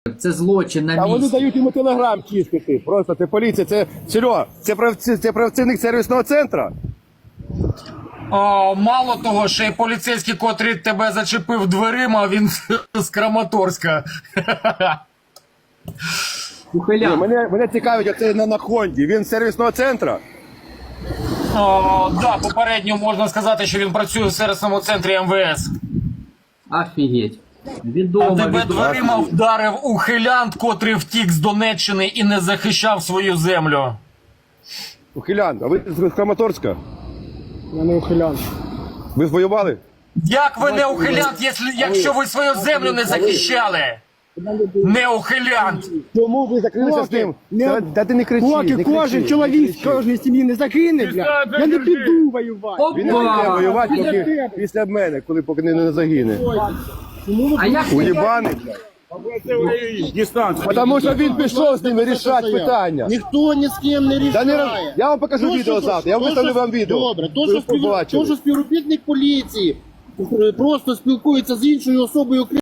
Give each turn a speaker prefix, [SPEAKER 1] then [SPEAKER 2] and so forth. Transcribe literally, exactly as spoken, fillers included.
[SPEAKER 1] Це злочин на
[SPEAKER 2] А вони
[SPEAKER 1] місці.
[SPEAKER 2] дають йому телеграм чистити. Просто це поліція, це Серьо, це, правці, це працівник сервісного центру.
[SPEAKER 3] О, мало того, що і поліцейський, котрий тебе зачепив дверима, він з Краматорська.
[SPEAKER 2] Ні,
[SPEAKER 1] Ухилян.
[SPEAKER 2] мене, мене цікавить, оце на, на Хонді. Він з сервісного центру.
[SPEAKER 3] О, да, попередньо можна сказати, що він працює в сервісному центрі Ем Ве Ес.
[SPEAKER 1] Офігеть.
[SPEAKER 3] А
[SPEAKER 1] Відомо,
[SPEAKER 3] тебе
[SPEAKER 1] відомо.
[SPEAKER 3] дверима вдарив ухилянт, котрий втік з Донеччини і не захищав свою землю.
[SPEAKER 2] Ухилян, а ви з Краматорська?
[SPEAKER 4] Я не ухилян.
[SPEAKER 2] Ви воювали?
[SPEAKER 3] Як ви не ухилянт, якщо, якщо ви свою землю не захищали? Не ухилянт!
[SPEAKER 2] Чому ви закрилися з ним? Та, та ти не кричи,
[SPEAKER 4] Поки
[SPEAKER 2] не
[SPEAKER 4] кожен
[SPEAKER 2] кричи,
[SPEAKER 4] чоловік
[SPEAKER 2] не
[SPEAKER 4] з
[SPEAKER 2] кричи.
[SPEAKER 4] кожної сім'ї не загине, бля, я не піду воювати.
[SPEAKER 2] Він не піде
[SPEAKER 1] Опа!
[SPEAKER 2] воювати
[SPEAKER 4] Біля
[SPEAKER 2] поки,
[SPEAKER 4] тебе.
[SPEAKER 2] після мене, коли поки не, не загине.
[SPEAKER 1] А як
[SPEAKER 2] Уєбаний. Тому що він пішов з ними рішати питання.
[SPEAKER 5] Ніхто ні з ким не
[SPEAKER 2] Та не роз-
[SPEAKER 5] рішає.
[SPEAKER 2] Я вам покажу
[SPEAKER 5] То,
[SPEAKER 2] відео
[SPEAKER 5] що-
[SPEAKER 2] завтра, я
[SPEAKER 5] то,
[SPEAKER 2] виставлю
[SPEAKER 5] що-
[SPEAKER 2] вам відео.
[SPEAKER 5] Добре, то,
[SPEAKER 2] Ви
[SPEAKER 5] що, спів...
[SPEAKER 2] побачили.
[SPEAKER 5] то, що співробітник поліції просто спілкується з іншою особою,